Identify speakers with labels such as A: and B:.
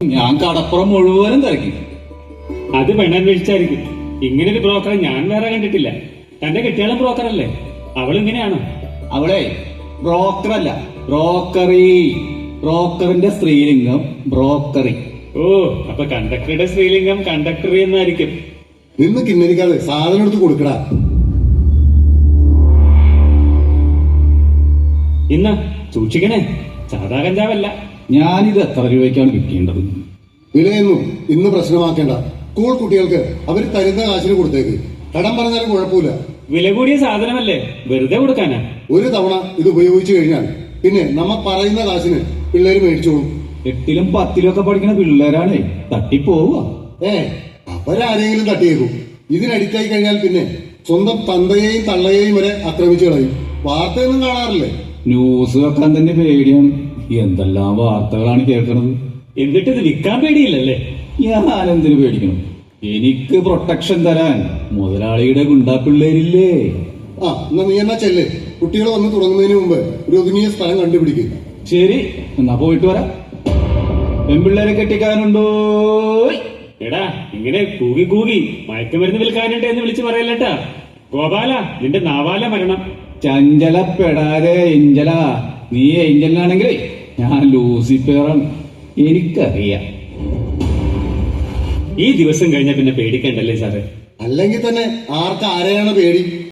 A: ഞാൻ കടപ്പുറം മുഴുവനും തിരക്കി.
B: അത് പെണ്ണന്വേഷിച്ചായിരിക്കും. ഇങ്ങനൊരു ബ്രോക്കറെ ഞാൻ വേറെ കണ്ടിട്ടില്ല. തന്റെ കെട്ടിയാളും ബ്രോക്കറല്ലേ? അവളിങ്ങനെയാണോ?
A: അവളെ ബ്രോക്കറല്ല, ബ്രോക്കറി. ബ്രോക്കറിന്റെ സ്ത്രീലിംഗം ബ്രോക്കറി.
B: ഓ, അപ്പൊ കണ്ടക്ടറുടെ സ്ത്രീലിംഗം കണ്ടക്ടറി എന്നായിരിക്കും.
C: നിന്ന് കിന്നരിക്കാതെ സാധനം എടുത്ത് കൊടുക്കടാ.
B: ഇന്ന സൂക്ഷിക്കണേ, സാധാ കഞ്ചാവല്ല.
A: ഞാനിത് എത്ര രൂപയ്ക്കാണ് വിൽക്കേണ്ടത്?
C: വിലയൊന്നും ഇന്ന് പ്രശ്നമാക്കേണ്ട. സ്കൂൾ കുട്ടികൾക്ക് അവർ തരുന്ന കാശിന് കൊടുത്തേക്ക്. കടം പറഞ്ഞാലും കുഴപ്പമില്ല.
B: വില കൂടിയ സാധനമല്ലേ, വെറുതെ കൊടുക്കാനാ?
C: ഒരു തവണ ഇത് ഉപയോഗിച്ചു കഴിഞ്ഞാൽ പിന്നെ നമ്മ പറയുന്ന കാശിന് പിള്ളേര് മേടിച്ചോളും.
A: 8ലും 10ലും ഒക്കെ പഠിക്കുന്ന പിള്ളേരാണേ, തട്ടിപ്പോവുക.
C: അവരാരെങ്കിലും തട്ടിയേക്കും. ഇതിനടിക്കായി കഴിഞ്ഞാൽ പിന്നെ സ്വന്തം തന്തയെയും തള്ളയെയും വരെ ആക്രമിച്ചു കളയും. വാർത്തയൊന്നും കാണാറില്ലേ?
A: ന്യൂസ് വെക്കാൻ തന്നെ പേടിയാണ്. എന്തെല്ലാം വാർത്തകളാണ് കേൾക്കണത്.
B: എന്നിട്ട് ഇത് വിൽക്കാൻ പേടിയില്ലല്ലേ?
A: ഞാനെന്തിനു പേടിക്കണം? എനിക്ക് പ്രൊട്ടക്ഷൻ തരാൻ മുതലാളിയുടെ ഗുണ്ടാ പിള്ളേരില്ലേ?
C: എന്നാ നീ എന്നാ ചെല്ല്. കുട്ടികൾ വന്ന് തുടങ്ങുന്നതിന് മുമ്പ് ഒരു ഒതുങ്ങിയ സ്ഥലം കണ്ടുപിടിക്കും.
A: ശരി, എന്നാ പോയിട്ട് വരാം. പെൺപിള്ളേരെ കെട്ടിക്കാനുണ്ടോ?
B: എടാ, ഇങ്ങനെ കൂകി കൂകി മയക്കുമരുന്ന് വിൽക്കാനുണ്ട് എന്ന് വിളിച്ചു പറയല്ലട്ടാ. ഗോപാല, നിന്റെ നാവാല മരണം.
A: ചഞ്ചലപ്പെടാതെ ഏഞ്ചല. നീ ഏഞ്ചലിനാണെങ്കിൽ ഞാൻ ലൂസിഫറാണ്. എനിക്കറിയാം.
B: ഈ ദിവസം കഴിഞ്ഞ പിന്നെ പേടിക്കണ്ടല്ലേ സാറേ?
C: അല്ലെങ്കിൽ തന്നെ ആർക്ക് ആരെയാണ് പേടി?